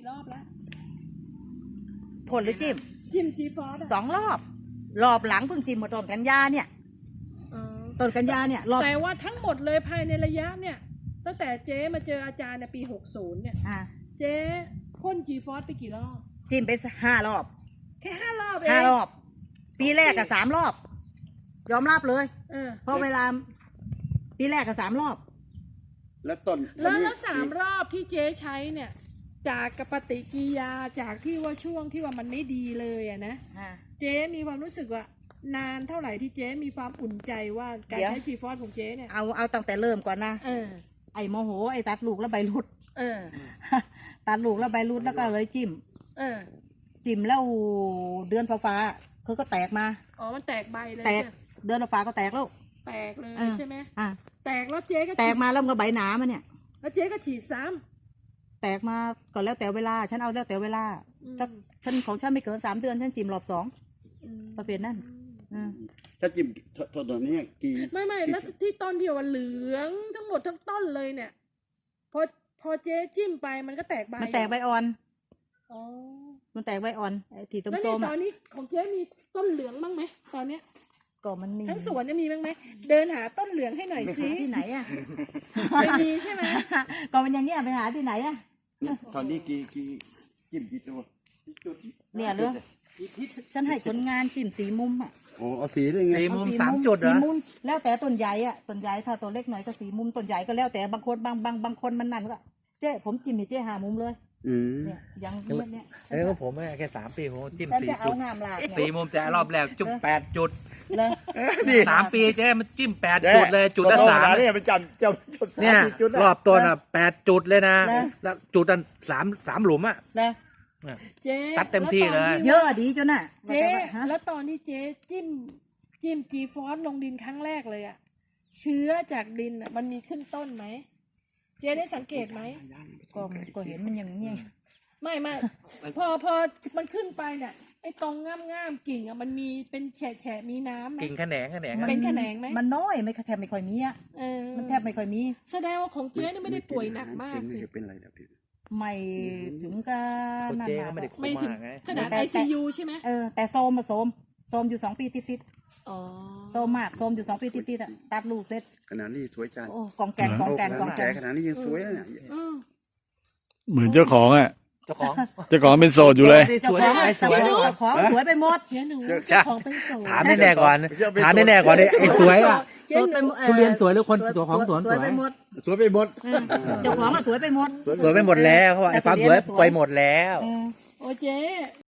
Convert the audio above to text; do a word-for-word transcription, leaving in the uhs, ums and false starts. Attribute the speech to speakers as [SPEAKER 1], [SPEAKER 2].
[SPEAKER 1] รอบแล้ว
[SPEAKER 2] พ่นหรือจิ้ม
[SPEAKER 1] จิ้มจีฟอส
[SPEAKER 2] สองรอบรอบหลังเพิ่งจิ้มมาต้นกันยาเนี่ยต้นกันยาเนี่ยรอบ
[SPEAKER 1] แต่ว่าทั้งหมดเลยภายในระยะเนี่ยตั้งแต่เจ๊มาเจออาจารย์ในปีหกสิบเนี่ยเจ๊พ่นจีฟอสไปกี่รอบ
[SPEAKER 2] จิ้มไปห้ารอบ
[SPEAKER 1] แค่ห้ารอบเอง
[SPEAKER 2] ห้ารอบปีแรกกับสามรอบยอมรับเลยเออเพราะเวลาปีแรกกับสามรอบ
[SPEAKER 3] แล้วต้น
[SPEAKER 1] แล้วแล้วสามรอบที่เจ๊ใช้เนี่ยจากกปฏิกิริยาจากที่ว่าช่วงที่ว่ามันไม่ดีเลยอะนะเจ๊มีความรู้สึกว่านานเท่าไหร่ที่เจ๊มีความอุ่นใจว่าการใช้จีฟอสของเจ๊เนี่ย
[SPEAKER 2] เอาเอาตั้งแต่เริ่มก่อนนะ
[SPEAKER 1] เออ
[SPEAKER 2] ไอ้โมโหไอ้ตัดลูกแล้วใบรุด
[SPEAKER 1] เออ
[SPEAKER 2] ตัดลูกแล้วใบรุดแล้วก็เลยจิ้ม
[SPEAKER 1] เออ
[SPEAKER 2] จิ้มแล้วเดือนฟ้าๆเขาก็แตกมา
[SPEAKER 1] อ๋อมันแตกใบเลย
[SPEAKER 2] แตกเดือนฟ้าก็แตกแล้ว
[SPEAKER 1] แตกเลยใช่ไหม
[SPEAKER 2] อ่า
[SPEAKER 1] แตกแล้วเจ๊ก็
[SPEAKER 2] แตกมาแล้วก็ใบหนามาเนี่ย
[SPEAKER 1] แล้วเจ๊ก็ฉีดซ้
[SPEAKER 2] ำแตกมาก่อนแล้วแต่เวลาฉันเอาแล้วแต่เวลาถ้าฉันของฉันไม่เกินสามเดือนฉันจิ้มรอบสองประเภทนั้น
[SPEAKER 3] ถ้าจิ้มต้นนี้กี่
[SPEAKER 1] ไม่ไม่แล้วที่ต้นเดียวเหลืองทั้งหมดทั้งต้นเลยเนี่ยพอพอเจ๊จิ้มไปมันก็แตกใบ
[SPEAKER 2] มันแตกใบอ่อน
[SPEAKER 1] อ๋อ
[SPEAKER 2] มันแตกใบอ่อนไอ้ที่ต้น
[SPEAKER 1] ส้มตอนนี้ของเจ๊มีต้นเหลืองบ้างไหมตอนเนี้ย
[SPEAKER 2] ก็มันมี
[SPEAKER 1] ทั้งสวนจะมีบ้างไหมเดินหาต้นเหลืองให้หน่อยสิ
[SPEAKER 2] ที่ไหนอ่ะ
[SPEAKER 1] ไม่มีใช่ไหม
[SPEAKER 2] ก็มันอย่างเงี้ยไปหาที่ไหนอ่ะ
[SPEAKER 3] ตอนนี้กี่กี่จิ้มกี่ตัว
[SPEAKER 2] เนี่ยเลยฉันให้คนงานจิ้มสีมุมอ่ะ
[SPEAKER 3] โอ้เอาสีได้ไง
[SPEAKER 4] สีมุมสามจุดเหรอ
[SPEAKER 2] สีมุมแล้วแต่ต้นใหญ่อ่ะต้นใหญ่ถ้าตัวเล็กหน่อยก็สีมุมต้นใหญ่ก็แล้วแต่บางคนบางบางบางคนมันนั่นก็เจ๊ผมจิ้มให้เจ๊หามุมเลยเนี่ยยังเนี้ยเนี่ย
[SPEAKER 4] เอ้ก็ผมแค่สามปีผมจิ้มสี่
[SPEAKER 2] จุด
[SPEAKER 4] สี่มุมแต่รอบแรกจุ่มแปดจุดสามปีเจ๊มันจิ้มแปดจุดเลยจุดละสาม
[SPEAKER 3] เนี่ยมันจำจำ
[SPEAKER 4] เนี่ยรอบตัวน่ะแปดจุดเลยนะแล้วจุดอันสามสามหลุมอ่ะ
[SPEAKER 1] เจ๊
[SPEAKER 4] ตัดเต็มที่เลย
[SPEAKER 2] เยอะดีจนน่ะ
[SPEAKER 1] เจ๊แล้วตอนที่เจ๊จิ้มจิ้มจีฟอสลงดินครั้งแรกเลยอ่ะเชื้อจากดินอ่ะมันมีขึ้นต้นไหมเจ๊ได้สังเกตไหม
[SPEAKER 2] ก็ก็เห็นมันอย่างนี้
[SPEAKER 1] ไม่ไม่พอพอมันขึ้นไปเนี่ยไอ้ตรงง่ามง่ามกิ่งอ่ะมันมีเป็นแฉะแฉะมีน้ำ
[SPEAKER 4] กิ่งแขนงแขนง
[SPEAKER 1] เป็นแขนงไหม
[SPEAKER 2] มันน้อยไม่แทบไม่ค่อยมีอ่ะมันแทบไม่ค่อยมี
[SPEAKER 1] แสดงว่าของเจ๊นี่ไม่ได้ป่วยหนักมากสิ
[SPEAKER 3] เป็นอะไรแบบนี้
[SPEAKER 2] ไม่ถึงกับ
[SPEAKER 4] นั่นนะ
[SPEAKER 1] ไม่ถึงขนาดไอซียูใช่ไหม
[SPEAKER 2] เออแต่โซมมาโซมโซมอยู่สองปีติดติดโซมมากโซมอยู่สองปีติดติดอ่ะตัดลูกเสร็จ
[SPEAKER 3] ขนาดนี้สวยจัง
[SPEAKER 2] โอ้กองแกงกองแกงกองแกง
[SPEAKER 3] ขนาดนี้ยังสวยเนี่ย
[SPEAKER 5] เหมือนเจ้าของอ่ะ
[SPEAKER 4] เจ้าของ
[SPEAKER 5] เจ้าของเป็นโสดอยู่เลย
[SPEAKER 2] เจ้าของสวยเจ้าของสวยไปหมด
[SPEAKER 1] เจ้าของเป็นโสด
[SPEAKER 4] ถามแน่ๆก่อนถามแน่ๆก่อนไอ้สวยอ่ะทุเรียนสวยหรือคนตัวของสวนสวย
[SPEAKER 2] ไปหมด
[SPEAKER 3] สวยไปหมด
[SPEAKER 2] เจ้าของสวยไปหมด
[SPEAKER 4] สวยไปหมดแล้วเขาไอ้ความสวยไปหมดแล้ว
[SPEAKER 1] โอ้เจ๊